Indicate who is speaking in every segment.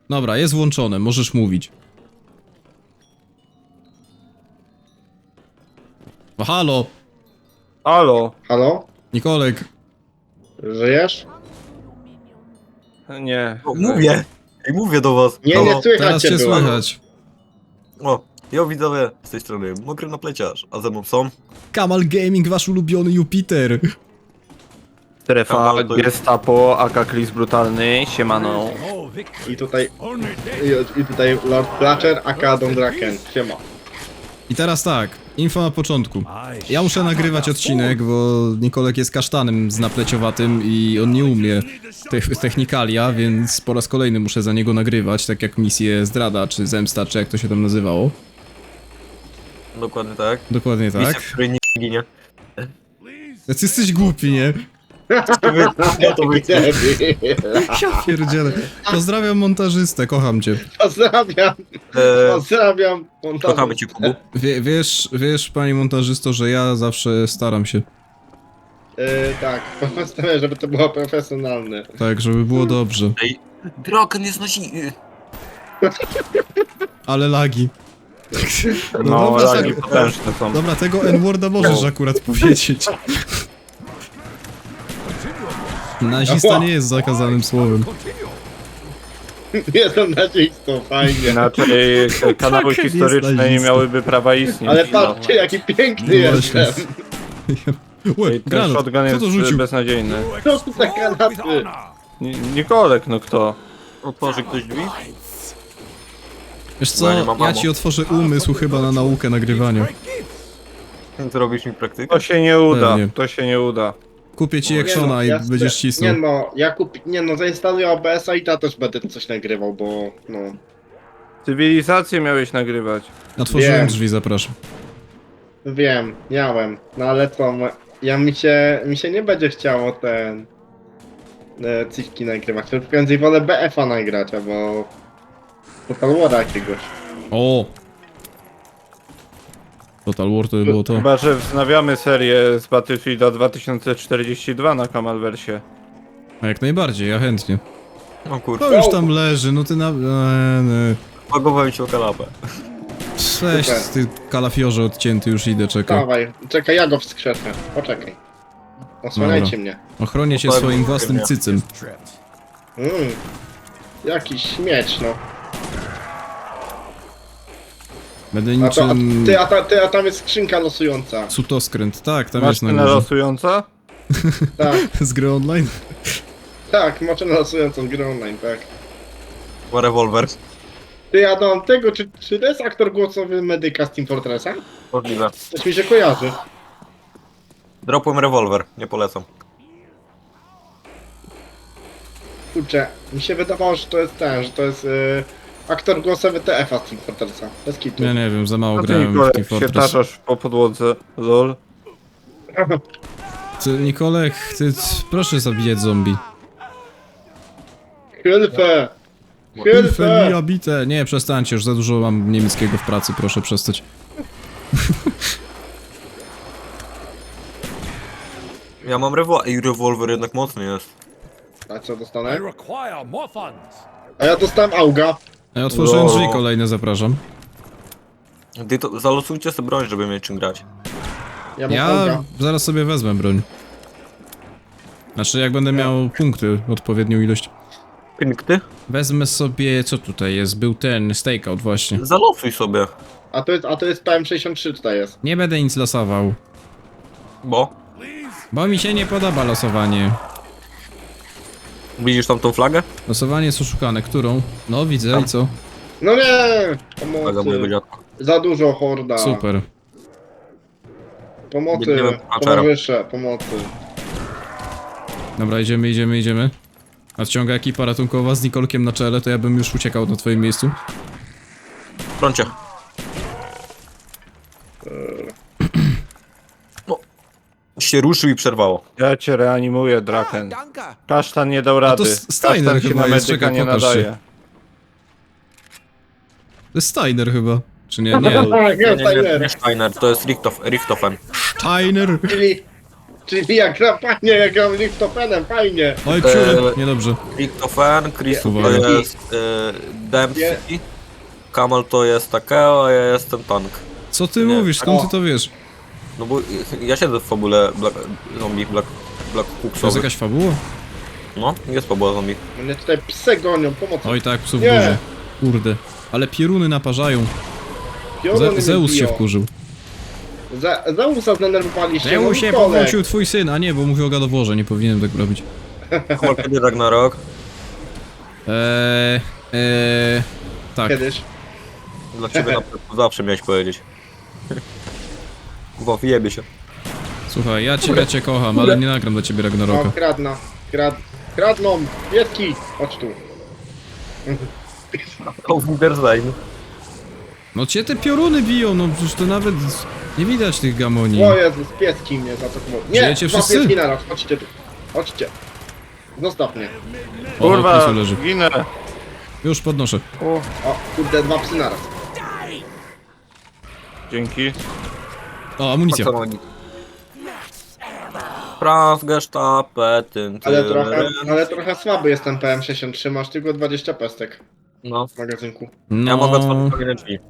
Speaker 1: Dobra, jest włączone, możesz mówić. O, halo!
Speaker 2: Halo?
Speaker 3: Halo?
Speaker 1: Nikolek,
Speaker 3: Żyjesz?
Speaker 2: Nie.
Speaker 4: O, mówię! Ej, mówię do was!
Speaker 3: Nie,
Speaker 4: Halo.
Speaker 3: nie słychać
Speaker 1: teraz cię
Speaker 3: było.
Speaker 1: słychać.
Speaker 4: O, ja widzowie, z tej strony Mokry Napleciarz, a ze mną są...
Speaker 1: Kamal Gaming, wasz ulubiony Jupiter.
Speaker 2: Strefa,
Speaker 4: Kamal to jest-
Speaker 2: Gestapo, AK Klis Brutalny, siemano.
Speaker 3: I tutaj... I tutaj Lord Blatcher, aka Don Draken. Siema.
Speaker 1: I teraz tak, info na początku. Ja muszę nagrywać odcinek, bo Nikolek jest kasztanem z napleciowatym i on nie umie technikalia, więc po raz kolejny muszę za niego nagrywać, tak jak misję Zdrada, czy Zemsta, czy jak to się tam nazywało.
Speaker 4: Dokładnie tak.
Speaker 1: Dokładnie
Speaker 4: Misja,
Speaker 1: tak.
Speaker 4: w której nie ginie.
Speaker 1: Ty jesteś głupi, nie?
Speaker 4: Ja to wyjdę.
Speaker 1: Ja pierdzielę. Pozdrawiam montażystę, kocham cię.
Speaker 3: Pozdrawiam. Pozdrawiam.
Speaker 4: Kochamy cię, Kubu.
Speaker 1: Wiesz, pani montażysto, że ja zawsze staram się.
Speaker 3: Tak, postawiam, żeby to było profesjonalne.
Speaker 1: Tak, żeby było dobrze.
Speaker 4: Ej, Draken jest
Speaker 1: Ale lagi.
Speaker 2: No,
Speaker 1: dobra,
Speaker 2: lagi
Speaker 1: tak.
Speaker 2: potężne są.
Speaker 1: Dobra, tego N-worda możesz akurat powiedzieć. Nazista nie jest zakazanym słowem.
Speaker 3: Jest on nazistą, fajnie.
Speaker 2: Inaczej kanały
Speaker 1: Fuck,
Speaker 2: historyczne
Speaker 1: jest
Speaker 2: nie
Speaker 1: nazista.
Speaker 2: miałyby prawa istnieć.
Speaker 3: Ale patrzcie, jaki piękny
Speaker 1: No właśnie.
Speaker 3: jestem.
Speaker 1: Łe,
Speaker 2: I ten
Speaker 1: granat,
Speaker 2: shotgun
Speaker 1: kto
Speaker 2: jest
Speaker 1: to rzucił?
Speaker 2: beznadziejny.
Speaker 3: Co tu za granaty?
Speaker 2: Nikolek, no kto?
Speaker 4: Otworzy ktoś drzwi?
Speaker 1: Wiesz
Speaker 4: Bo ja nie
Speaker 1: co,
Speaker 4: mam
Speaker 1: ja
Speaker 4: ammo.
Speaker 1: ci otworzę umysł chyba na naukę nagrywania.
Speaker 4: Zrobisz mi praktykę?
Speaker 2: To się nie uda,
Speaker 1: Pewnie.
Speaker 2: to się nie uda.
Speaker 1: Kupię ci
Speaker 3: Nie
Speaker 1: Actiona
Speaker 3: no,
Speaker 1: i
Speaker 3: ja
Speaker 1: będziesz
Speaker 3: Nie
Speaker 1: cisnął.
Speaker 3: no, zainstaluję OBS-a i też będę coś nagrywał, bo no.
Speaker 2: Cywilizację miałeś nagrywać.
Speaker 1: Otworzyłem
Speaker 3: Wiem.
Speaker 1: drzwi, zapraszam.
Speaker 3: Wiem, miałem. No ale co, mi się nie będzie chciało ten... Cifki nagrywać, tylko prędzej wolę BF-a nagrać, albo... Total War'a jakiegoś.
Speaker 1: O! Total War to by było to.
Speaker 2: Chyba, że wznawiamy serię z Battlefielda 2042 na Kamalwersie.
Speaker 1: A jak najbardziej, ja chętnie.
Speaker 4: O kurwa,
Speaker 1: To już tam leży, no ty na...
Speaker 4: bagowałem się o kanapę.
Speaker 1: Cześć, ty kalafiorze odcięty, już idę, czekaj.
Speaker 3: Dawaj, czekaj, ja go wskrzeszę. Poczekaj. Osłaniajcie
Speaker 1: Dobra.
Speaker 3: mnie.
Speaker 1: Ochronię cię
Speaker 4: Powiem,
Speaker 1: swoim
Speaker 4: nie.
Speaker 1: własnym cycem.
Speaker 3: Jakiś śmieć, no.
Speaker 1: Będę
Speaker 3: A, to,
Speaker 1: niczym...
Speaker 3: a tam jest skrzynka losująca.
Speaker 1: Cutoskręt, tak, tam jest na
Speaker 2: Maszyna
Speaker 1: górze.
Speaker 2: losująca?
Speaker 3: Tak,
Speaker 1: Z gry online?
Speaker 3: tak, maszyna losującą z gry online, tak.
Speaker 4: Ma rewolwer.
Speaker 3: Ty, Adam, tego, czy to jest aktor głosowy medyka z Team Fortressa?
Speaker 4: Możliwe.
Speaker 3: Coś mi się kojarzy.
Speaker 4: Dropłem rewolwer, nie polecam.
Speaker 3: Kurczę, mi się wydawało, że to jest ten, że to jest aktor głosowy TF-a z Team Fortressa. Bez kitu.
Speaker 1: Ja nie wiem, za mało
Speaker 2: A ty,
Speaker 1: grałem w
Speaker 2: Nikolek,
Speaker 1: Team
Speaker 2: się
Speaker 1: Fortress.
Speaker 2: taszasz po podłodze, lol.
Speaker 1: Ty, Nikolek, proszę zabijać zombie.
Speaker 3: Hilfe!
Speaker 1: Hilfe
Speaker 3: Hilfe!
Speaker 1: bite. Nie, przestańcie, już za dużo mam niemieckiego w pracy, proszę przestać.
Speaker 4: Ja mam rewolwer, i rewolwer jednak mocny jest.
Speaker 3: A co
Speaker 5: I
Speaker 3: dostanę?
Speaker 5: require more funds.
Speaker 3: A ja dostałem auga.
Speaker 1: Ja otworzyłem
Speaker 2: No.
Speaker 1: drzwi kolejne, zapraszam.
Speaker 4: Ty to zalosujcie sobie broń, żeby mieć czym grać.
Speaker 3: Ja mam
Speaker 1: Ja
Speaker 3: auga.
Speaker 1: zaraz sobie wezmę broń. Znaczy, jak będę miał punkty, odpowiednią ilość.
Speaker 4: Piękny?
Speaker 1: Wezmę sobie, co tutaj jest? Był ten stakeout właśnie.
Speaker 4: Zalosuj sobie.
Speaker 3: A to jest PM63 tutaj jest.
Speaker 1: Nie będę nic losował,
Speaker 4: Bo?
Speaker 1: bo mi się nie podoba losowanie.
Speaker 4: Widzisz tam tą flagę?
Speaker 1: Losowanie jest oszukane. Którą? No, widzę i co?
Speaker 3: No nie!
Speaker 4: Flaga mojego
Speaker 3: Pomocy.
Speaker 4: dziadka.
Speaker 3: Za dużo horda.
Speaker 1: Super.
Speaker 3: Pomocy.
Speaker 4: Biegniemy po kaczera.
Speaker 3: Towarzysze, pomocy.
Speaker 1: Dobra, idziemy. Nadciąga ekipa ratunkowa z Nikolkiem na czele, to ja bym już uciekał na twoim miejscu.
Speaker 4: Froncie. No. Się ruszył i przerwało.
Speaker 2: Ja cię reanimuję, Draken. Kasztan nie dał rady.
Speaker 1: to Steiner
Speaker 2: Kasztan się
Speaker 1: chyba
Speaker 2: na
Speaker 1: jest,
Speaker 2: medyka
Speaker 1: czekaj,
Speaker 2: nie
Speaker 1: pokaż się.
Speaker 2: nadaje.
Speaker 1: To jest Steiner chyba. Czy nie? Nie.
Speaker 3: Tak,
Speaker 4: Nie,
Speaker 3: jest
Speaker 4: nie, nie,
Speaker 3: Steiner.
Speaker 4: nie Steiner, to jest Richtofen.
Speaker 1: Steiner!
Speaker 3: Czyli jak gram fajnie, jak gram Lichtofenem, fajnie.
Speaker 1: Oj, ksiury, niedobrze.
Speaker 4: Christopher, Chris to
Speaker 1: Uwaga.
Speaker 4: jest Dempsey, Kamal to jest Takeo, a ja jestem Tank.
Speaker 1: Co ty
Speaker 4: Nie.
Speaker 1: mówisz, skąd
Speaker 3: O.
Speaker 1: ty to wiesz?
Speaker 4: No bo ja siedzę w fabule zombie Black
Speaker 1: To jest
Speaker 4: Cooksowych.
Speaker 1: jakaś fabuła?
Speaker 4: No, jest fabuła zombie.
Speaker 3: Mnie tutaj psy gonią, pomocy.
Speaker 1: Oj tak, psów
Speaker 3: Nie.
Speaker 1: dużo. Kurde. Ale pioruny naparzają.
Speaker 3: Pioruny mnie
Speaker 1: Zeus się
Speaker 3: biją.
Speaker 1: wkurzył.
Speaker 3: Zeusa zdenerwowaliście,
Speaker 1: Zeusie,
Speaker 3: no Nikolek.
Speaker 1: powrócił twój syn, a nie, bo mówił o gadoworze, nie powinienem tak robić.
Speaker 4: Kamal kiedy Ragnarok?
Speaker 1: Tak.
Speaker 3: Kiedyś.
Speaker 4: Dla ciebie na pewno zawsze miałeś powiedzieć. Wow, jebie się.
Speaker 1: Słuchaj, ja cię kocham, ale nie nagram dla ciebie
Speaker 3: O,
Speaker 1: Ragnaroka.
Speaker 3: kradną, pieski, chodź tu.
Speaker 4: Auf Wiedersehen.
Speaker 1: No cię te pioruny biją, no przecież to nawet nie widać tych gamoni.
Speaker 3: O Jezus, pieski mnie zaatakowały. Nie,
Speaker 1: Żyjecie
Speaker 3: dwa
Speaker 1: wszyscy?
Speaker 3: pieski naraz, chodźcie tu. Chodźcie. Zostaw mnie.
Speaker 1: O,
Speaker 2: Kurwa,
Speaker 1: Krisu leży.
Speaker 2: ginę.
Speaker 1: Już podnoszę.
Speaker 3: O, kurde, dwa psy naraz.
Speaker 2: Dzięki.
Speaker 1: O, amunicja.
Speaker 4: Franz Gestape, tyn,
Speaker 3: Ale trochę słaby jest ten PM63, masz tylko 20 pestek
Speaker 4: No,
Speaker 3: w magazynku.
Speaker 1: No,
Speaker 4: ja mogę otworzyć kolejne drzwi.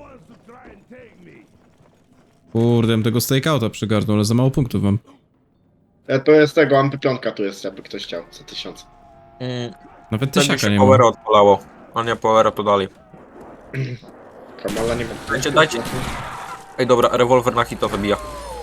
Speaker 1: kurde, bym tego stakeouta przygarnął, ale za mało punktów mam.
Speaker 3: To jest tego, MP5 tu jest, jakby ktoś chciał, za 1000.
Speaker 1: Nawet
Speaker 4: Wtedy
Speaker 1: tysiaka
Speaker 4: się
Speaker 1: nie
Speaker 4: powera
Speaker 1: mam.
Speaker 4: odpalało. A nie, powera to dalej.
Speaker 3: Kamala nie ma.
Speaker 4: Dajcie. Ej dobra, rewolwer na hito wybija.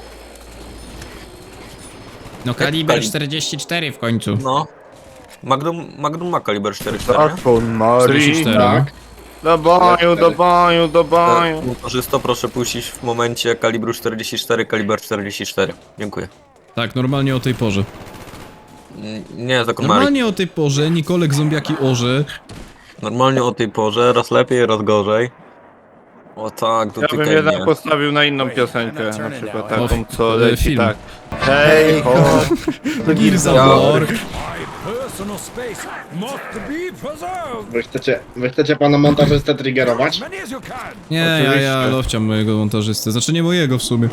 Speaker 1: No kaliber 44 w końcu.
Speaker 4: No. Magnum ma kaliber 4,4, nie?
Speaker 2: Zakon Marii.
Speaker 1: 44.
Speaker 3: Tak.
Speaker 2: Do boju, do boju, do boju.
Speaker 4: Montażysto, proszę puścić w momencie kalibru 44, kaliber 44. Dziękuję.
Speaker 1: Tak, normalnie o tej porze.
Speaker 4: Nie, zakon Marii.
Speaker 1: Normalnie o tej porze Nikolek zombiaki orze.
Speaker 4: Normalnie o tej porze, raz lepiej, raz gorzej. O tak,
Speaker 2: Ja bym
Speaker 4: dotykaj
Speaker 2: jednak
Speaker 4: mnie.
Speaker 2: postawił na inną piosenkę, na przykład taką,
Speaker 1: O,
Speaker 2: co leci
Speaker 1: film.
Speaker 2: tak. Hej, ho,
Speaker 1: Gears of War.
Speaker 5: Personal space must be preserved.
Speaker 3: Wy chcecie pana montażystę triggerować?
Speaker 5: Many as you can.
Speaker 1: Nie, ja
Speaker 2: Oczywiście.
Speaker 1: lowciam mojego montażysty. Znaczy nie mojego w sumie.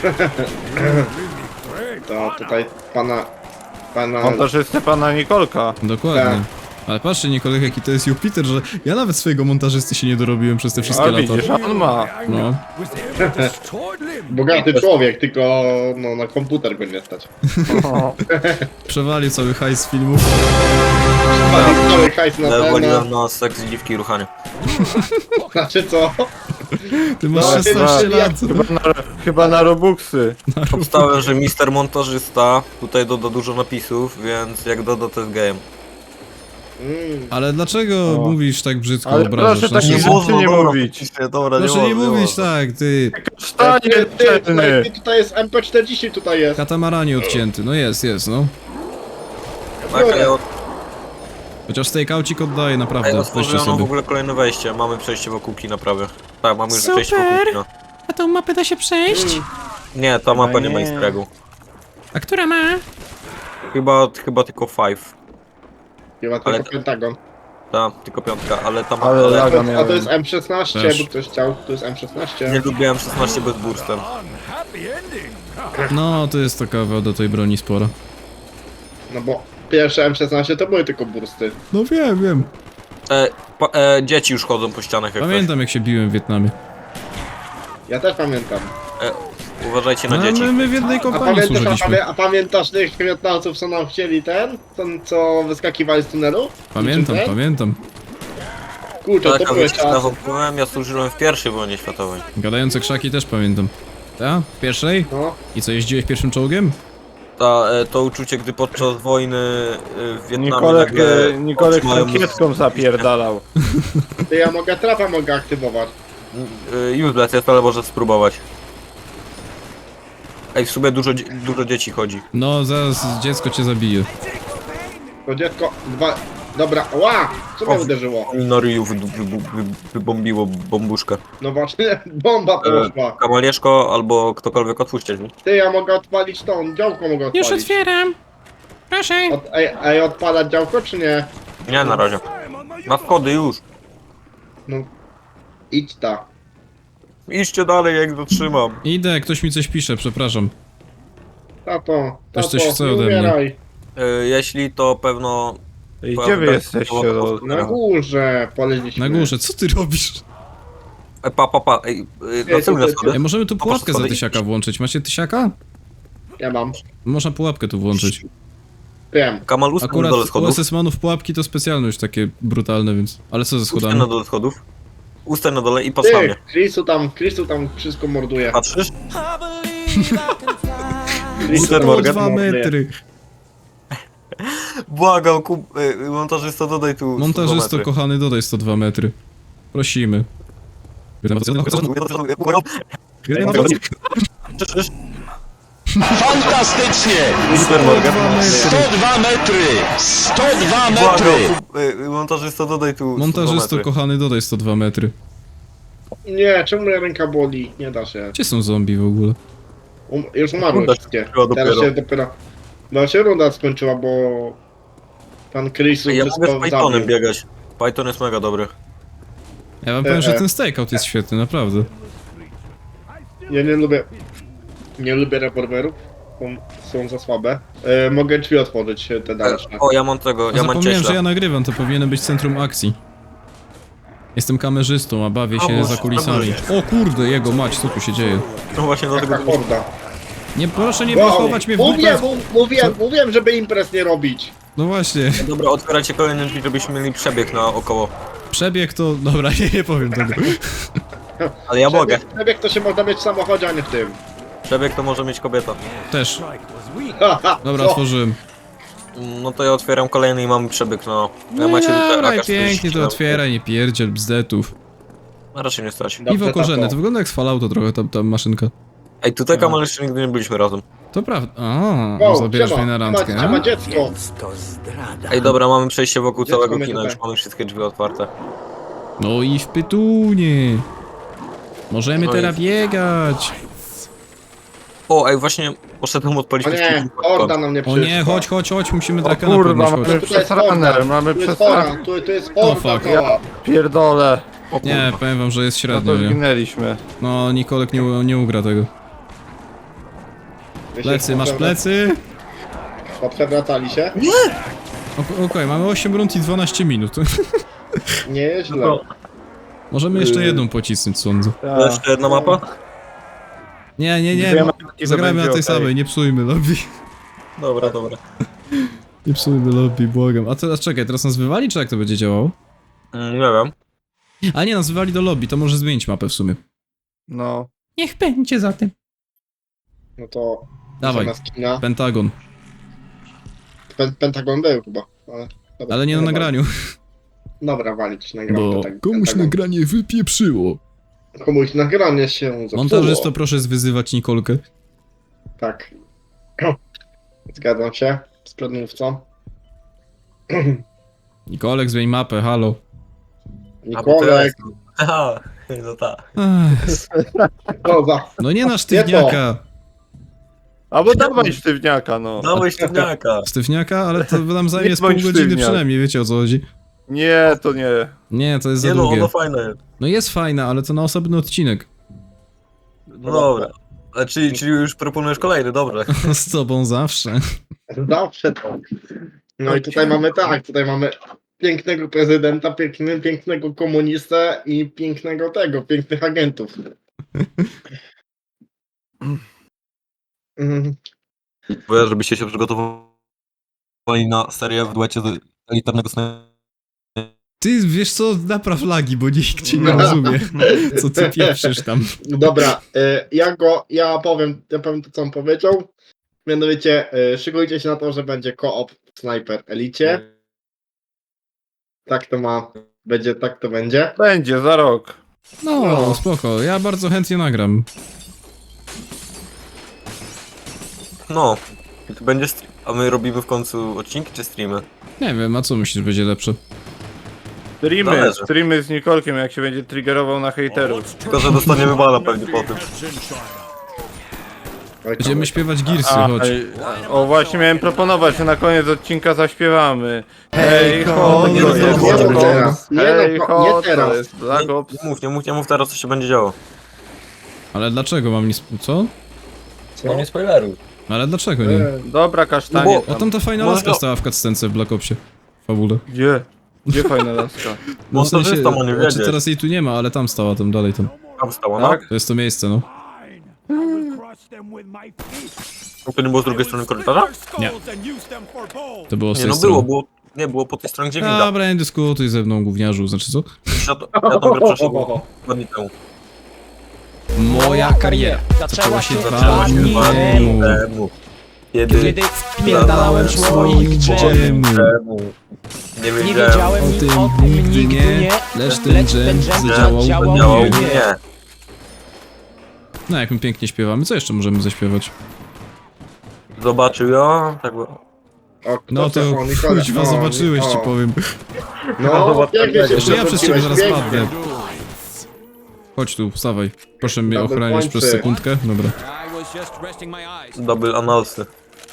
Speaker 3: To tutaj pana...
Speaker 2: montażystę pana Nikolka.
Speaker 1: Dokładnie.
Speaker 3: Tak.
Speaker 1: Ale patrzcie Nikolek jaki to jest Jupiter, że ja nawet swojego montażysty się nie dorobiłem przez te wszystkie
Speaker 2: A
Speaker 1: lata.
Speaker 2: widzisz, on ma.
Speaker 1: No.
Speaker 5: Was able to destroy limb.
Speaker 3: Bogaty człowiek, tylko no, na komputer go nie stać.
Speaker 1: Przewalił cały hajs z filmów.
Speaker 3: Cały hajs na ten,
Speaker 4: Waliłem na seks, dziwki i ruchanie.
Speaker 3: znaczy co?
Speaker 1: Ty masz
Speaker 3: No,
Speaker 1: 16
Speaker 3: ty-
Speaker 1: lat.
Speaker 2: Chyba na Robuxy.
Speaker 4: Obstałem, że Mister Montażysta tutaj doda dużo napisów, więc jak doda to jest gejem.
Speaker 1: Ale dlaczego
Speaker 2: O.
Speaker 1: mówisz tak brzydko
Speaker 2: Ale
Speaker 1: obrażasz?
Speaker 2: proszę
Speaker 1: Znaczy,
Speaker 2: takich rzeczy nie mówić.
Speaker 4: Dobra,
Speaker 1: proszę nie mówić
Speaker 4: można.
Speaker 1: tak, ty.
Speaker 2: Stanie celny.
Speaker 3: Tutaj jest MP40, tutaj jest.
Speaker 1: Katamaranie odcięty. No jest, no.
Speaker 4: Tak, a ja
Speaker 1: Chociaż stakeoucik oddaje, naprawdę. Weźcie
Speaker 4: otworzono w
Speaker 1: sobie.
Speaker 4: ogóle kolejne wejście. Mamy przejście wokół kina prawie. Tak, mamy już przejście wokół kina.
Speaker 1: A tą mapę da się przejść?
Speaker 4: Nie, ta mapa nie ma
Speaker 2: nie.
Speaker 4: easter eggu.
Speaker 1: A która ma?
Speaker 4: Chyba tylko 5.
Speaker 3: Chyba
Speaker 4: Ale-
Speaker 3: tylko Pentagon.
Speaker 4: Ta, tylko 5, ale ta
Speaker 2: Ale
Speaker 4: mapa...
Speaker 2: laga
Speaker 3: A
Speaker 2: miałem.
Speaker 3: to jest M16,
Speaker 1: Też.
Speaker 3: jakby ktoś chciał. To jest M16.
Speaker 4: Nie lubiłem 16 bez burstem.
Speaker 5: Unhappy ending.
Speaker 1: No, to jest taka wada tej broni spora.
Speaker 3: No bo pierwsze M16 to były tylko bursty.
Speaker 1: No wiem.
Speaker 4: Dzieci już chodzą po ścianach jak
Speaker 1: Pamiętam jak się biłem w Wietnamie.
Speaker 3: Ja też pamiętam.
Speaker 4: coś. Uważajcie na
Speaker 1: No,
Speaker 4: dzieci.
Speaker 1: my w jednej kompanii służyliśmy.
Speaker 3: A pamiętasz tych Wietnamców, co nam chcieli co wyskakiwali z tunelu?
Speaker 1: Pamiętam,
Speaker 3: Niczym ten?
Speaker 1: pamiętam.
Speaker 3: Kurczę,
Speaker 4: Tak,
Speaker 3: to
Speaker 4: a
Speaker 3: były
Speaker 4: wiecie, ja
Speaker 3: czasy.
Speaker 4: wątpiłem, ja służyłem w pierwszej wojnie światowej.
Speaker 1: Gadające krzaki też pamiętam. Ta? W pierwszej?
Speaker 3: No,
Speaker 1: I co, jeździłeś pierwszym czołgiem?
Speaker 4: To uczucie, gdy podczas wojny w Wietnamie
Speaker 2: Nikolek,
Speaker 4: nagle
Speaker 2: Nikolek
Speaker 4: otrzymałem
Speaker 2: tankietką zapierdalał.
Speaker 3: to ja mogę trapa mogę aktywować.
Speaker 4: useless jest, ale może spróbować. Ej, w sumie dużo dzieci chodzi.
Speaker 1: No, zaraz dziecko cię zabije.
Speaker 3: To dziecko, dobra, ła! Co mnie
Speaker 4: O.
Speaker 3: uderzyło?
Speaker 4: Na ryju wybombiło bombuszkę.
Speaker 3: No właśnie, bomba poszła.
Speaker 4: Kamalieszko albo ktokolwiek otwórzcie drzwi.
Speaker 3: Ty, ja mogę odpalić tą, działko mogę odpalić.
Speaker 1: Już otwieram. Proszę.
Speaker 3: Ej, odpalać działko czy nie?
Speaker 4: Nie, na razie. Na schody już.
Speaker 3: No, idź ta.
Speaker 4: Idźcie dalej, jak dotrzymam.
Speaker 1: Idę, ktoś mi coś pisze, przepraszam.
Speaker 3: Tato,
Speaker 1: Ktoś coś
Speaker 3: tato,
Speaker 1: chce
Speaker 3: nie
Speaker 1: ode mnie.
Speaker 3: umieraj.
Speaker 4: Jeśli to pewno...
Speaker 2: I gdzie wy jesteście?
Speaker 3: Na górze poleźliśmy.
Speaker 1: Na górze, co ty robisz?
Speaker 4: Pa. Ej, na na schody?
Speaker 1: Ej, możemy tu
Speaker 4: A
Speaker 1: pułapkę za
Speaker 4: schody?
Speaker 1: tysiaka włączyć. Macie tysiaka?
Speaker 3: Ja mam.
Speaker 1: Można pułapkę tu włączyć.
Speaker 3: Wiem.
Speaker 4: Kamal, ustań na
Speaker 1: Akurat
Speaker 4: dole
Speaker 1: u
Speaker 4: schodów.
Speaker 1: SS-manów pułapki to specjalność takie brutalne, więc... Ale co ze
Speaker 4: Ustań
Speaker 1: schodami?
Speaker 4: na dole schodów. Ustań na dole i patrz na
Speaker 3: Ty,
Speaker 4: mnie.
Speaker 3: Chrisu tam wszystko morduje.
Speaker 4: Patrzysz?
Speaker 3: Chrisu
Speaker 4: Mr.
Speaker 3: tam
Speaker 4: Morgan?
Speaker 1: 2
Speaker 3: morduje.
Speaker 1: metry.
Speaker 4: Błagam, montażysta, dodaj tu 102
Speaker 1: Montażysto,
Speaker 4: metry.
Speaker 1: kochany, dodaj 102 metry. Prosimy.
Speaker 6: Fantastycznie!
Speaker 4: Mr. Morgan.
Speaker 6: 102 metry! 102 metry!
Speaker 4: Błagam, montażysta, dodaj tu 102
Speaker 1: Montażysto,
Speaker 4: metry.
Speaker 1: kochany, dodaj 102 metry.
Speaker 3: Nie, czemu moja ręka boli? Nie da się.
Speaker 1: Gdzie są zombie w ogóle?
Speaker 3: Już umarły
Speaker 4: Runda
Speaker 3: wszystkie.
Speaker 4: skończyła
Speaker 3: Teraz
Speaker 4: dopiero.
Speaker 3: się dopiero... No się runda skończyła, bo... Pan Chrisu
Speaker 4: Ja mogę z
Speaker 3: wszystko
Speaker 4: Pythonem
Speaker 3: zabił.
Speaker 4: biegać. Python jest mega dobry.
Speaker 1: Ja wam powiem, że ten stakeout jest świetny, naprawdę.
Speaker 3: Ja nie lubię... Nie lubię rewolwerów. Są za słabe. Mogę drzwi otworzyć, te dalsze.
Speaker 4: O, ja mam tego, ja mam
Speaker 1: Zapomniałem, że
Speaker 4: cieśla.
Speaker 1: ja nagrywam, to powinienem być centrum akcji. Jestem kamerzystą, a bawię się
Speaker 4: Boże,
Speaker 1: za kulisami. O kurde, jego mać, co tu się dzieje?
Speaker 4: No właśnie dlatego...
Speaker 3: Taka horda.
Speaker 1: Nie, proszę nie
Speaker 3: Wow.
Speaker 1: blokować mnie w
Speaker 3: Mówiłem,
Speaker 1: dupę.
Speaker 3: mówiłem, żeby imprez nie robić.
Speaker 1: No właśnie,
Speaker 4: Dobra, otwierajcie kolejne drzwi, żebyśmy mieli przebieg naokoło.
Speaker 1: przebieg to... Dobra, nie powiem tego.
Speaker 4: Ale ja mogę.
Speaker 3: Przebieg to się można mieć w samochodzie, a nie w tym.
Speaker 4: Przebieg to może mieć kobieta.
Speaker 1: Też.
Speaker 5: Strike was weak.
Speaker 1: Dobra,
Speaker 3: Co?
Speaker 1: otworzyłem.
Speaker 4: No to ja otwieram kolejny i mamy przebieg na...
Speaker 1: No i
Speaker 4: macie tutaj
Speaker 1: dobra,
Speaker 4: AK-47.
Speaker 1: pięknie, to otwieraj, nie pierdziel, bzdetów.
Speaker 4: A raczej nie stać.
Speaker 3: Dobrze,
Speaker 1: Piwo korzenne,
Speaker 3: tato.
Speaker 1: to wygląda jak z Fallouta trochę, ta maszynka.
Speaker 4: Ej, tutaj Kamal jeszcze nigdy nie byliśmy razem.
Speaker 1: To prawda. A,
Speaker 3: Wow,
Speaker 1: zabierasz mnie na randkę,
Speaker 3: ma
Speaker 1: a?
Speaker 3: dziecko.
Speaker 5: To zdrada.
Speaker 4: Ej, dobra, mamy przejście wokół
Speaker 3: Dziecko
Speaker 4: całego
Speaker 3: mnie
Speaker 4: kina,
Speaker 3: tutaj.
Speaker 4: już mamy wszystkie drzwi otwarte.
Speaker 1: No i w pytunie. Możemy
Speaker 4: No i-
Speaker 1: teraz biegać.
Speaker 4: O, ej, właśnie poszedłem odpalić
Speaker 3: O nie, horda na mnie
Speaker 1: O nie,
Speaker 3: przyszła.
Speaker 1: chodź, musimy
Speaker 2: O
Speaker 1: drakana
Speaker 2: kurwa,
Speaker 1: podnieść,
Speaker 2: mamy
Speaker 1: chodź.
Speaker 3: Tu jest
Speaker 2: przesraner,
Speaker 3: horda,
Speaker 2: mamy
Speaker 3: tu jest
Speaker 2: przesraner.
Speaker 3: horda, tu jest horda
Speaker 1: fuck.
Speaker 3: cała.
Speaker 2: Pierdolę. O
Speaker 1: Nie,
Speaker 2: kurwa,
Speaker 1: powiem wam, że jest
Speaker 2: no
Speaker 1: średnio,
Speaker 2: to
Speaker 1: nie?
Speaker 2: zginęliśmy.
Speaker 1: No, Nikolek nie ugra tego. Plecy, masz plecy?
Speaker 3: Poprzewracali się?
Speaker 1: Okej, mamy 8 rund i 12 minut.
Speaker 3: Nie jest źle.
Speaker 4: No.
Speaker 1: Możemy jeszcze jedną pocisnąć, sądzę.
Speaker 4: To jeszcze jedna mapa?
Speaker 1: Nie,
Speaker 2: Dwie mapki to
Speaker 1: zagrajmy na
Speaker 2: będzie
Speaker 1: tej
Speaker 2: okej.
Speaker 1: samej, nie psujmy lobby.
Speaker 4: Dobra, dobra.
Speaker 1: Nie psujmy lobby, błagam. A teraz czekaj, teraz nas wywali, czy jak to będzie działało?
Speaker 4: Nie wiem.
Speaker 1: A nie, nas wywali do lobby, to może zmienić mapę w sumie.
Speaker 2: No.
Speaker 1: Niech będzie za tym.
Speaker 3: No to...
Speaker 1: Dawaj,
Speaker 3: zamiast kina.
Speaker 1: Pentagon.
Speaker 3: Pentagon był chyba. Ale, dobra,
Speaker 1: Ale nie na nagraniu,
Speaker 3: Dobra, walić nagram.
Speaker 1: bo komuś nagranie wypieprzyło.
Speaker 3: Komuś nagranie się zepsuło.
Speaker 1: Montażysto, proszę zwyzywać Nikolkę.
Speaker 3: Tak. Zgadzam się z przedmówcą.
Speaker 1: Nikolek, zmień mapę, halo.
Speaker 3: Nikolek,
Speaker 4: Haha, no tak.
Speaker 1: Ech,
Speaker 3: co za...
Speaker 1: no nie na sztywniaka.
Speaker 2: Albo dawaj sztywniaka, no.
Speaker 4: Dawaj sztywniaka.
Speaker 1: Sztywniaka, ale to nam zajmie
Speaker 2: Nie
Speaker 1: z pół
Speaker 2: bądź
Speaker 1: godziny
Speaker 2: sztywniak.
Speaker 1: przynajmniej, wiecie o co chodzi.
Speaker 2: Nie, to nie.
Speaker 1: Nie, to jest za
Speaker 4: Nie no,
Speaker 1: długie.
Speaker 4: ono fajne jest.
Speaker 1: No jest fajna, ale to na osobny odcinek.
Speaker 4: No dobra. A czyli już proponujesz kolejny, dobrze.
Speaker 1: Z tobą zawsze.
Speaker 3: Zawsze tak. No i tutaj mamy tak, tutaj mamy pięknego prezydenta, pięknego komunistę i pięknych agentów. Mhm.
Speaker 4: Bo żebyście się przygotowali na serię w duecie z elitarnego snajpera.
Speaker 1: Ty wiesz co, napraw lagi, bo nikt ci nie rozumie. Co ty pieprzysz tam.
Speaker 3: Dobra, ja powiem to, co on powiedział. Mianowicie, szykujcie się na to, że będzie co-op w Sniper Elicie. Tak to będzie.
Speaker 2: Będzie, za rok.
Speaker 1: No, spoko, ja bardzo chętnie nagram.
Speaker 4: No. I to będzie stream. A my robimy w końcu odcinki czy streamy?
Speaker 1: Nie wiem, a co myślisz będzie lepsze?
Speaker 4: Zależy.
Speaker 2: Streamy z Nikolkiem, jak się będzie triggerował na hejterów.
Speaker 4: Tylko, że dostaniemy bana pewnie po tym.
Speaker 3: Oj,
Speaker 1: Będziemy śpiewać Gearsy, chodź.
Speaker 2: O, właśnie miałem proponować, że na koniec odcinka zaśpiewamy. Hej ho,
Speaker 3: nie,
Speaker 2: to
Speaker 3: nie,
Speaker 2: jest
Speaker 3: nie,
Speaker 2: Black
Speaker 3: nie
Speaker 2: Ops.
Speaker 3: teraz. Nie,
Speaker 2: Hej
Speaker 3: no,
Speaker 2: ho,
Speaker 3: nie
Speaker 2: to
Speaker 3: teraz.
Speaker 2: jest Black Ops.
Speaker 4: Nie mów teraz, co się będzie działo.
Speaker 1: Ale dlaczego mam nic... co?
Speaker 4: No nie spoileruj.
Speaker 1: Ale dlaczego nie?
Speaker 2: Dobra, kasztanie
Speaker 4: No
Speaker 1: O,
Speaker 2: tam.
Speaker 1: tam ta fajna
Speaker 4: Może-
Speaker 1: laska stała w cutscence w Black Opsie. W fabule.
Speaker 2: Gdzie? Gdzie fajna laska?
Speaker 1: No w sensie,
Speaker 4: Montażysta ma nie
Speaker 1: znaczy
Speaker 4: wiedzieć.
Speaker 1: teraz jej tu nie ma, ale tam stała, tam dalej tam.
Speaker 4: Tam stała, no?
Speaker 2: Tak?
Speaker 1: To jest to miejsce, no.
Speaker 4: To nie było z drugiej strony korytarza?
Speaker 1: Nie. To było z
Speaker 4: Nie,
Speaker 1: tej
Speaker 4: no
Speaker 1: strony.
Speaker 4: było po tej stronie, gdzie winda.
Speaker 1: Dobra, nie dyskutuj ze mną, gówniarzu, znaczy co?
Speaker 4: Ja tą grę przeszedłem 2 dni temu.
Speaker 1: Moja kariera zaczęła się 2
Speaker 4: Zaczęła się
Speaker 1: dni
Speaker 4: 2 dni
Speaker 1: temu.
Speaker 4: temu. Kiedy
Speaker 5: wpierdalałem swoich
Speaker 1: dżemów.
Speaker 4: Nie
Speaker 5: Nie
Speaker 4: wiedziałem.
Speaker 5: wiedziałem
Speaker 1: O
Speaker 5: nic
Speaker 1: tym
Speaker 5: o tym
Speaker 1: nigdy
Speaker 5: nigdy
Speaker 1: nie,
Speaker 5: nie,
Speaker 1: lecz ten dżem zadziałał
Speaker 4: Działał
Speaker 1: mnie.
Speaker 4: nie.
Speaker 1: No jak my pięknie śpiewamy, co jeszcze możemy zaśpiewać?
Speaker 4: Zobaczył ją, tak było.
Speaker 3: O, kto
Speaker 1: No to
Speaker 3: o, Nikola,
Speaker 1: kuźwa,
Speaker 3: o,
Speaker 1: zobaczyłeś, ci
Speaker 3: o.
Speaker 1: powiem.
Speaker 3: No, pięknie się
Speaker 1: Jeszcze ja przez ciebie zaraz
Speaker 3: przewróciłeś,
Speaker 1: padnę. Chodź tu, wstawaj. Proszę mnie
Speaker 3: Double
Speaker 1: ochronić przez
Speaker 3: pointsy.
Speaker 1: sekundkę. Dobra.
Speaker 4: Double analsy.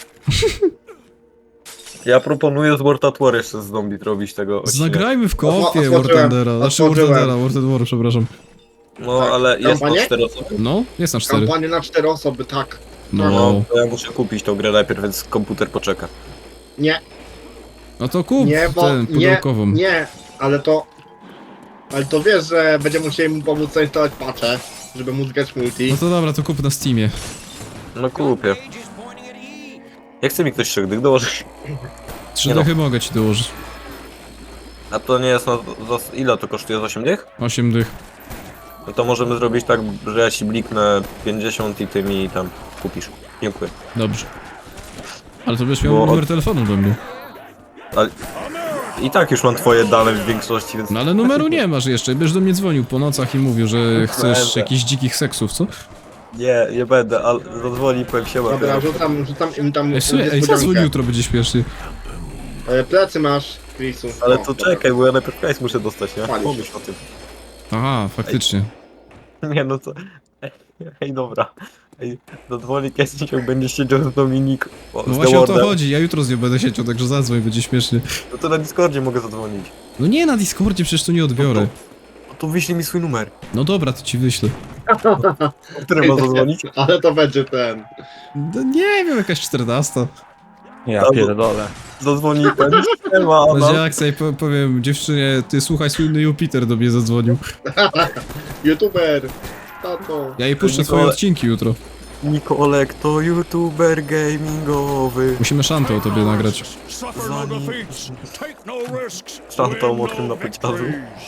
Speaker 4: Ja proponuję z World at War jeszcze z zombie robić tego odcinka.
Speaker 1: Zagrajmy w koopie
Speaker 3: Otworzyłem,
Speaker 1: War Thundera. Znaczy War
Speaker 3: otworzyłem.
Speaker 1: Thundera, War War, przepraszam.
Speaker 4: No,
Speaker 3: Tak.
Speaker 4: ale jest na
Speaker 3: Kampanię?
Speaker 4: 4 osoby.
Speaker 1: No, jest na 4.
Speaker 3: Kampanię na 4 osoby, tak.
Speaker 1: No.
Speaker 4: No, to ja muszę kupić tą grę najpierw, więc komputer poczeka.
Speaker 3: Nie,
Speaker 1: No to kup
Speaker 3: nie, bo
Speaker 1: ten, pudełkową.
Speaker 3: nie, ale to wiesz, że będziemy musieli mu pomóc zainstalować patche, żeby móc grać multi.
Speaker 1: No to dobra, to kup na Steamie.
Speaker 4: No kupię. Jak chce mi ktoś 3 dych dołożyć?
Speaker 1: 3
Speaker 4: Nie no.
Speaker 1: dychy mogę ci dołożyć.
Speaker 4: A to nie jest ile to kosztuje? Z 8 dych?
Speaker 1: 8 dych.
Speaker 4: No to możemy zrobić tak, że ja ci bliknę 50 i ty mi tam kupisz. Dziękuję.
Speaker 1: Dobrze. Ale to będziesz miał
Speaker 4: Bo-
Speaker 1: numer telefonu do mnie.
Speaker 4: Ale... I tak już mam twoje dane w większości, więc...
Speaker 1: No ale numeru nie masz jeszcze. Będziesz do mnie dzwonił po nocach i mówił, że chcesz
Speaker 4: Będę.
Speaker 1: jakichś dzikich seksów, co?
Speaker 4: Nie będę, ale zadzwoni i powiem siema.
Speaker 3: Dobra, rzucam im tam
Speaker 1: Ej, słuchaj, ej, zadzwoń jutro, będzie śmiesznie.
Speaker 3: Plecy masz, Chrisu.
Speaker 4: Ale
Speaker 3: O,
Speaker 4: to
Speaker 3: dobra.
Speaker 4: czekaj, bo ja najpierw hajs muszę dostać, nie?
Speaker 3: Palisz.
Speaker 4: Pomyśl o tym.
Speaker 1: Aha, faktycznie.
Speaker 4: Nie no co... Ej, dobra. Ej, zadzwoni Kessie, będzie siedział z Dominik.
Speaker 1: No
Speaker 4: z
Speaker 1: właśnie o to
Speaker 4: Dewardem.
Speaker 1: chodzi, ja jutro z nią będę siedział, także zadzwoń, będzie śmiesznie.
Speaker 4: No to na Discordzie mogę zadzwonić.
Speaker 1: No nie na Discordzie, przecież to nie odbiorę.
Speaker 4: No to wyślij mi swój numer.
Speaker 1: No dobra, to ci wyślę.
Speaker 4: O którym ma zadzwonić?
Speaker 3: Ale to będzie ten.
Speaker 1: No nie wiem, jakaś 14.
Speaker 2: Ja
Speaker 4: Albo-
Speaker 2: pierdolę.
Speaker 4: Zadzwoni ten. Siema,
Speaker 1: Będzie
Speaker 4: Adam.
Speaker 1: akcja i powiem dziewczynie, ty słuchaj, słynny Jupiter do mnie zadzwonił.
Speaker 3: YouTuber! Tato!
Speaker 1: Ja jej puszczę swoje
Speaker 4: Nikole-
Speaker 1: odcinki jutro.
Speaker 4: Nikolek to youtuber gamingowy.
Speaker 1: Musimy szantę o tobie nagrać.
Speaker 4: Szantał mokrym na pociągu.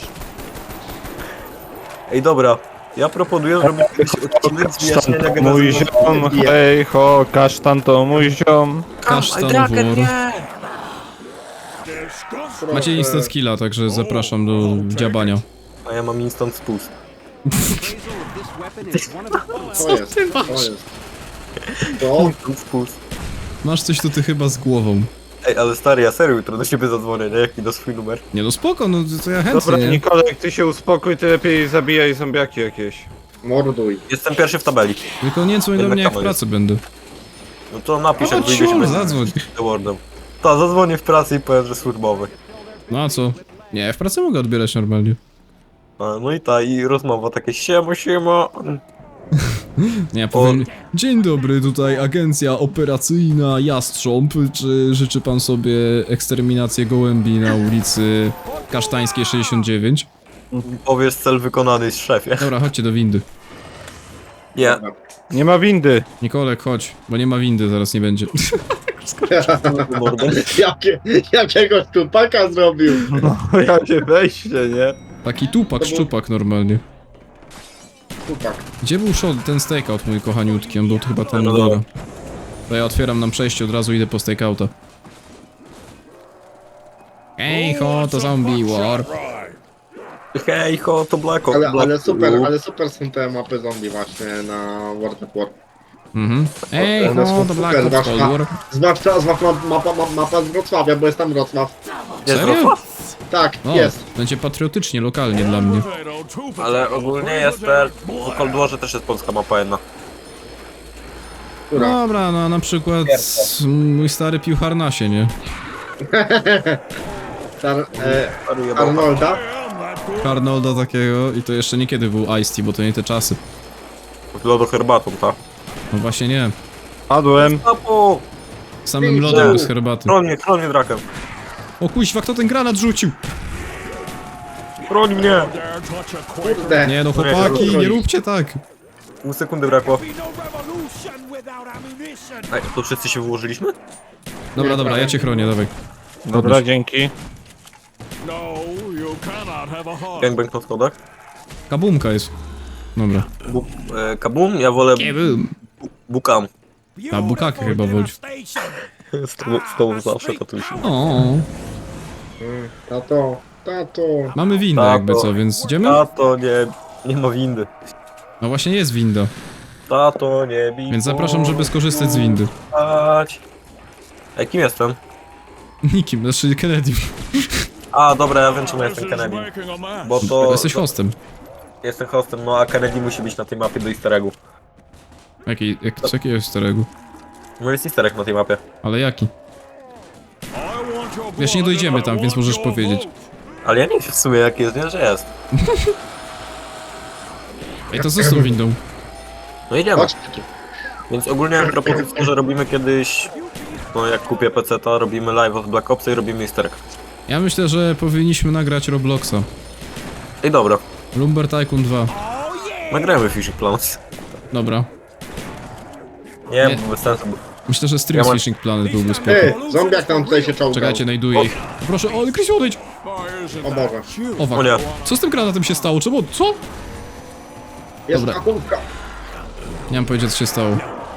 Speaker 4: Ej, dobra. Ja proponuję zrobić jakiś odcinek z
Speaker 2: Kasztan
Speaker 4: wyjaśnienia
Speaker 2: to mój
Speaker 4: generacji.
Speaker 2: ziom, hej ho, kasztan to mój ziom.
Speaker 1: Kasztan War. Macie instant skilla, także zapraszam do dziabania.
Speaker 4: A ja mam instant spust.
Speaker 3: Co jest?
Speaker 1: ty masz?
Speaker 3: Co jest? To?
Speaker 4: Instant spust.
Speaker 1: Masz coś tu ty chyba z głową.
Speaker 4: Ej, ale stary, ja serio jutro do ciebie zadzwonię, nie? Jak mi da swój numer.
Speaker 1: Nie no spoko, no to ja chętnie.
Speaker 2: Dobra, Nikolek, ty się uspokój, ty lepiej zabijaj zombiaki jakieś.
Speaker 3: Morduj.
Speaker 4: Jestem pierwszy w tabeli.
Speaker 1: Tylko nie dzwoń do
Speaker 4: Jednak
Speaker 1: mnie jak w
Speaker 4: tam
Speaker 1: pracy będę.
Speaker 4: No to napisz, jak
Speaker 1: O,
Speaker 4: wyjdziemy
Speaker 1: ciul, zadzwoń.
Speaker 4: z Dewardem. Ta, zadzwonię w pracy i powiem, że służbowy.
Speaker 1: No a co? Nie, w pracy mogę odbierać normalnie.
Speaker 4: A, no i ta, i rozmowa takie siema.
Speaker 1: Nie, powiem, dzień dobry, tutaj agencja operacyjna Jastrząb, czy życzy pan sobie eksterminację gołębi na ulicy Kasztańskiej 69?
Speaker 4: Powiesz cel wykonany z szefie.
Speaker 1: Dobra, chodźcie do windy.
Speaker 4: Nie.
Speaker 2: Nie ma windy.
Speaker 1: Nikolek, chodź, bo nie ma windy, zaraz nie będzie.
Speaker 3: Jakiegoś tupaka zrobił.
Speaker 2: No, jakie wejście, nie?
Speaker 1: Taki tupak, szczupak normalnie.
Speaker 3: Tupak.
Speaker 1: Gdzie był ten stakeout, mój kochaniutki? On był chyba tam na
Speaker 4: No
Speaker 1: dole. To ja otwieram nam przejście, od razu idę po stakeouta. Ej ho, to zombie war.
Speaker 4: Hej ho, to Black Ops.
Speaker 3: Ale super są te mapy zombie właśnie na World of War.
Speaker 1: Mhm. Ej
Speaker 3: One
Speaker 1: ho,
Speaker 3: są
Speaker 1: to Black
Speaker 3: super,
Speaker 1: Ops Cold War.
Speaker 3: zwłaszcza mapa z Wrocławia, bo jest tam Wrocław.
Speaker 4: Jest
Speaker 1: Serio?
Speaker 4: Wrocław?
Speaker 3: Tak,
Speaker 1: O,
Speaker 3: jest.
Speaker 1: będzie patriotycznie, lokalnie dla mnie.
Speaker 4: Ale ogólnie jest ten... W Cold Warze też jest polska mapa jedna.
Speaker 3: Która?
Speaker 1: Dobra, no na przykład mój stary pił harnasie, nie?
Speaker 3: Arnolda?
Speaker 1: Arnolda takiego i to jeszcze niekiedy był Ice-T, bo to nie te czasy.
Speaker 4: Lodo herbatą, ta.
Speaker 1: No właśnie nie.
Speaker 2: Padłem.
Speaker 4: Papo!
Speaker 1: Samym lodem bez herbaty.
Speaker 4: Chroń mnie drakem.
Speaker 1: O kuźwa, kto ten granat rzucił?
Speaker 4: Broń mnie!
Speaker 3: Kurde.
Speaker 1: Nie no chłopaki, nie róbcie tak.
Speaker 4: Pół sekundy brakło. Ej, to wszyscy się wyłożyliśmy?
Speaker 1: Dobra, ja cię chronię, dawaj.
Speaker 2: Dobra, dzięki.
Speaker 4: Gangbang na schodach.
Speaker 1: Kabumka jest. Dobra.
Speaker 4: Kabum, ja wolę
Speaker 1: Kabum.
Speaker 4: bukam.
Speaker 1: A bukakę chyba wodzi.
Speaker 4: Z tobą zawsze tatusiu.
Speaker 1: O,
Speaker 3: Tato.
Speaker 1: mamy windę
Speaker 4: Tato.
Speaker 1: jakby co, więc idziemy?
Speaker 4: Tato, nie ma windy.
Speaker 1: No właśnie jest winda,
Speaker 4: Tato, nie bij.
Speaker 1: więc zapraszam, żeby skorzystać z windy.
Speaker 4: Chodź. Ej, kim jestem?
Speaker 1: Nikim, znaczy Kennedy.
Speaker 4: A, dobra, ja wiem czemu jestem Kennedy. Bo to...
Speaker 1: Jesteś hostem.
Speaker 4: Jestem hostem, no a Kennedy musi być na tej mapie do easter eggu.
Speaker 1: Jaki jest starego?
Speaker 4: No jest easter egg na tej mapie.
Speaker 1: Ale jaki? Jeszcze nie dojdziemy tam, więc możesz powiedzieć.
Speaker 4: Ale ja nie wiem w sumie jaki jest, nie, że jest.
Speaker 1: Ej, to co z tą windą?
Speaker 4: No idziemy.
Speaker 3: Chodź.
Speaker 4: Więc ogólnie mam propozycję, że robimy kiedyś... No jak kupię PC-ta, robimy live od Black Opsa i robimy easter egg.
Speaker 1: Ja myślę, że powinniśmy nagrać Robloxa.
Speaker 4: Ej, dobra.
Speaker 1: Lumber Tycoon 2.
Speaker 4: Nagrajmy Fishing Planet.
Speaker 1: Dobra.
Speaker 4: Nie,
Speaker 1: Nie.
Speaker 4: bo bez sensu.
Speaker 1: Myślę, że Stream
Speaker 4: Ja mam-
Speaker 1: Fishing Planet byłby spoko.
Speaker 3: Zombiak tam tutaj się czołgał.
Speaker 1: Czekajcie, znajduję ich. Proszę, o, Chris, odejdź!
Speaker 3: O Boże.
Speaker 1: O, fuck.
Speaker 4: O nie.
Speaker 1: Co z tym granatem się stało? Czemu? Co?
Speaker 3: Jest
Speaker 1: Dobra.
Speaker 3: kabumka.
Speaker 1: Nie mam powiedzieć, co się stało.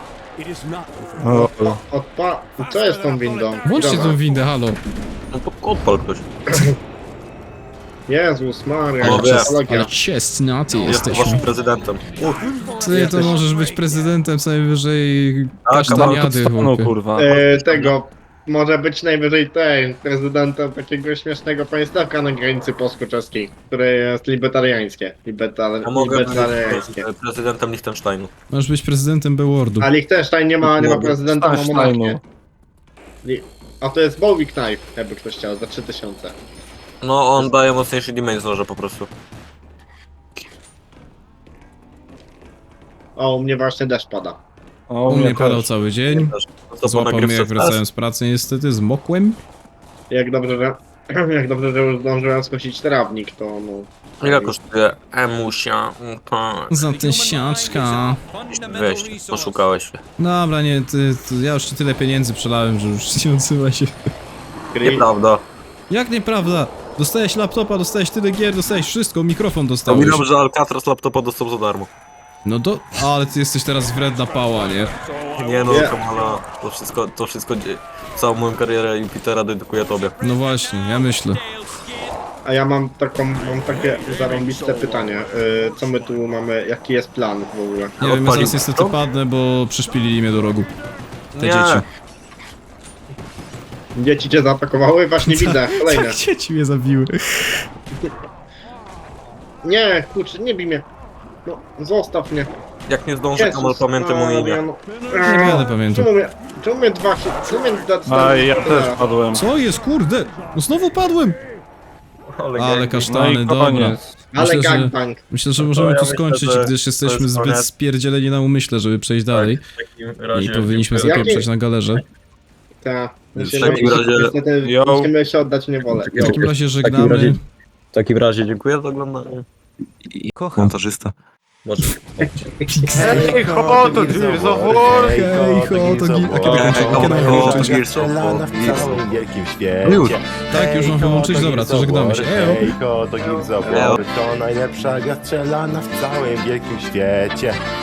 Speaker 3: Co jest tą windą?
Speaker 1: Włączcie
Speaker 3: Dobra.
Speaker 1: tą windę, halo.
Speaker 4: No to odpal ktoś.
Speaker 3: Jezus Maria,
Speaker 4: O, wiem.
Speaker 3: technologia.
Speaker 1: Ale ciestnaty
Speaker 4: Jestem
Speaker 1: jesteśmy.
Speaker 4: waszym prezydentem.
Speaker 1: Ty to możesz być prezydentem co najwyżej
Speaker 4: A,
Speaker 1: kasztaniady,
Speaker 2: No
Speaker 1: chłopie.
Speaker 2: kurwa.
Speaker 3: Tego, może być najwyżej prezydentem takiego śmiesznego państewka na granicy polsko-czeskiej, które jest libertariańskie.
Speaker 4: Ja mogę być
Speaker 3: Libertariańskie.
Speaker 4: prezydentem Liechtensteinu.
Speaker 1: Możesz być prezydentem Bewordu.
Speaker 3: A Liechtenstein nie ma
Speaker 4: Mogę.
Speaker 3: prezydenta, ma
Speaker 2: Liechtensteinu.
Speaker 3: monarchię. A to jest Bowie Knife, jakby ktoś chciał, za 3000.
Speaker 4: No on daje mocniejszy damage z noża po prostu.
Speaker 3: O, u mnie właśnie deszcz pada.
Speaker 2: O,
Speaker 1: U mnie
Speaker 2: też.
Speaker 1: padał cały dzień.
Speaker 4: To
Speaker 1: Złapał mnie jak wracałem z pracy niestety, zmokłem.
Speaker 3: Jak dobrze, że już zdążyłem skosić trawnik, to no...
Speaker 4: Ile kosztuje emusia?
Speaker 1: Za tysiaczka.
Speaker 4: Weź, poszukałeś się.
Speaker 1: Dobra, nie, ja już ci tyle pieniędzy przelałem, że już nie odsyła się.
Speaker 4: Nieprawda.
Speaker 1: Jak nieprawda? Dostałeś laptopa, dostałeś tyle gier, dostałeś wszystko, mikrofon dostałeś.
Speaker 4: Pominam, że Alcatraz laptopa dostał za darmo.
Speaker 1: No to, ale ty jesteś teraz wredna pała, nie?
Speaker 4: Nie no,
Speaker 3: Nie.
Speaker 4: Kamala, to wszystko, całą moją karierę Jupitera dedykuję tobie.
Speaker 1: No właśnie, ja myślę.
Speaker 3: A ja mam takie zarąbiste pytanie. Co my tu mamy, jaki jest plan w ogóle?
Speaker 1: Nie wiem, ja
Speaker 4: Odpalił
Speaker 1: zaraz niestety
Speaker 4: to?
Speaker 1: padnę, bo przyszpilili mnie do rogu. Te dzieci.
Speaker 3: Dzieci cię zaatakowały? Właśnie widzę, kolejne.
Speaker 1: Tak, dzieci mnie zabiły.
Speaker 3: Nie, kurczę, nie bij mnie. No, zostaw mnie.
Speaker 4: Jak nie zdążę,
Speaker 3: Jezus
Speaker 4: Kamal, pamiętam o
Speaker 3: Maria,
Speaker 4: imię.
Speaker 3: no.
Speaker 1: Nie będę pamiętał.
Speaker 3: Czemu mnie
Speaker 2: A ja też padłem.
Speaker 1: Co jest, kurde? No znowu padłem! Ale
Speaker 2: No i
Speaker 1: kasztany, dobra.
Speaker 2: koniec.
Speaker 3: Ale
Speaker 1: Myślę, że,
Speaker 3: gangbang.
Speaker 1: myślę, że możemy
Speaker 4: ja
Speaker 1: tu
Speaker 4: myślę,
Speaker 1: skończyć,
Speaker 4: że
Speaker 1: gdyż
Speaker 4: to
Speaker 1: jesteśmy
Speaker 4: jest
Speaker 1: zbyt
Speaker 4: koniec.
Speaker 1: spierdzieleni na umyśle, żeby przejść dalej.
Speaker 4: W takim razie...
Speaker 1: I powinniśmy
Speaker 3: Jaki-
Speaker 1: zapieprzać na galerze.
Speaker 3: Tak.
Speaker 4: W takim razie-
Speaker 3: Niestety
Speaker 2: Yo.
Speaker 3: musimy się oddać niewolę.
Speaker 1: W takim razie
Speaker 4: razie-
Speaker 1: żegnamy.
Speaker 4: W takim razie dziękuję za oglądanie.
Speaker 5: Kocham.
Speaker 4: Montażysta. Może.
Speaker 2: Ej, ho, to Gears of War!
Speaker 1: Hej, ho, to
Speaker 7: Strzelana w całym wielkim
Speaker 4: Już.
Speaker 7: świecie.
Speaker 1: Tak, już mam wyłączyć, dobra, to żegnamy się. Ejo.
Speaker 7: Hejko, to Gears of War, to najlepsza gra strzelana w całym wielkim świecie.